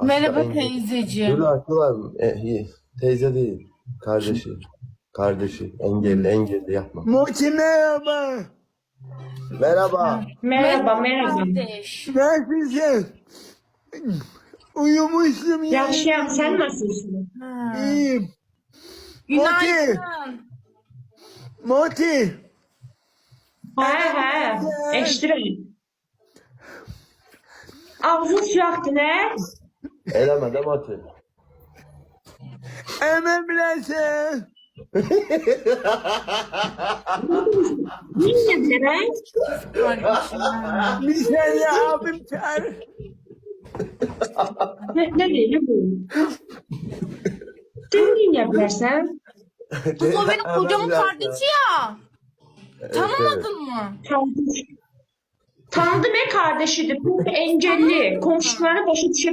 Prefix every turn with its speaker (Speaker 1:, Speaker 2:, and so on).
Speaker 1: Merhaba
Speaker 2: Engel.
Speaker 1: teyzeciğim.
Speaker 2: Dur aklı var mı? İyi. Teyze değil. Kardeşi. Kardeşi. Engelli yapma.
Speaker 3: Muti merhaba.
Speaker 2: Merhaba.
Speaker 4: Merhaba, merhaba.
Speaker 1: kardeş.
Speaker 3: Nasılsın? Uyumuşum ya.
Speaker 4: Yaxşıyam, sen nasılsın?
Speaker 1: Ha.
Speaker 3: İyiyim.
Speaker 1: Günaydın.
Speaker 3: Muti.
Speaker 4: Hə, eşidirəm. Ağzın suyaqdır, nə?
Speaker 2: Eleme de Mati.
Speaker 3: Ememlesin.
Speaker 4: Niyə bilirəm?
Speaker 1: Kardeşim.
Speaker 3: Bir sene abim çağır.
Speaker 4: Nə deyir bu? Sən niyə bilərsən?
Speaker 1: Kız o benim kocamın kardeşi ya. Tanımadın mı?
Speaker 4: Tanıdım. Tanıdım, kardeşidir. Bu engelli. Komşuları başa düşə